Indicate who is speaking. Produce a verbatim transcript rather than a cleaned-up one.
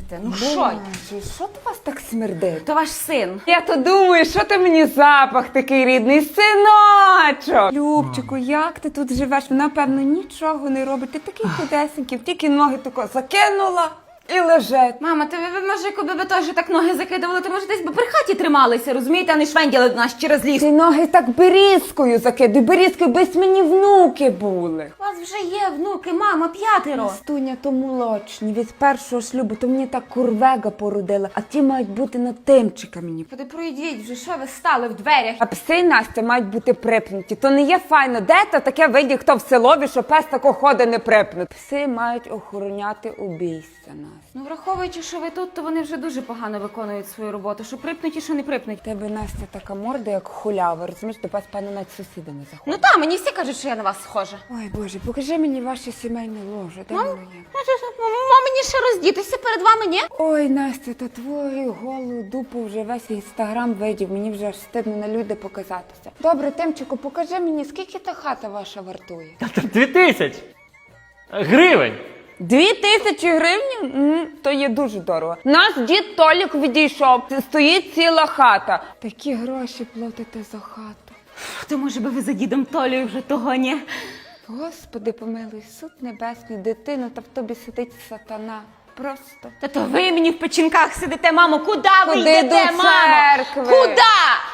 Speaker 1: Настя, ну що?
Speaker 2: Боже, що то вас так смердить?
Speaker 1: То ваш син.
Speaker 2: Я то думаю, що ти мені запах такий рідний, синочок. Любчику, як ти тут живеш? Вона, певно, нічого не робить. Ти такий худесенький, тільки ноги тако закинула і лежить.
Speaker 1: Мама, ти ви, може, якби ви теж так ноги закидували, то може десь би при хаті трималися, розумієте, а не швенділи до нас через ліс.
Speaker 2: Ти ноги так берізкою закидуй, берізкою, без мені внуки були.
Speaker 1: У вас вже є внуки, мама, п'ятеро.
Speaker 2: Настуня, то молочні, від першого шлюбу, то мені так курвега породила, а ті мають бути на тимчика мені.
Speaker 1: Поди пройдіть вже, що ви стали в дверях?
Speaker 2: А пси, Настя, мають бути припнуті. То не є файно. Де то таке виді, хто в селові, що пес тако ходить не припнут. Пси мають охороняти обійстя, Настя.
Speaker 1: Ну, враховуючи, що ви тут, то вони вже дуже погано виконують свою роботу. Що припнуті, що не припнуті.
Speaker 2: Тебе, Настя, така морда, як хулява. Розумієш, до вас, певно, навіть сусіди не заходять.
Speaker 1: Ну так, мені всі кажуть, що я на вас схожа.
Speaker 2: Ой, Боже, покажи мені ваше сімейне ложе. Де воно є?
Speaker 1: Ма, мені ще роздітися перед вами, ні?
Speaker 2: Ой, Настя, та твою голу дупу вже весь інстаграм видів. Мені вже аж стидно на люди показатися. Добре, Тимчику, покажи мені, скільки та хата ваша вартує?
Speaker 3: Та це дві тисячі гривень.
Speaker 2: Дві тисячі гривень? М, то є дуже дорого. Наш дід Толік відійшов, стоїть ціла хата. Такі гроші платите за хату.
Speaker 1: То може би ви за дідом Толею вже того, ні?
Speaker 2: Господи, помилуй, суд небесний, дитину, та в тобі сидить сатана. Просто.
Speaker 1: Та то ви мені в печінках сидите, мамо. Куди ви
Speaker 2: Ходи
Speaker 1: йдете,
Speaker 2: до
Speaker 1: мамо?
Speaker 2: церкви.
Speaker 1: Куди?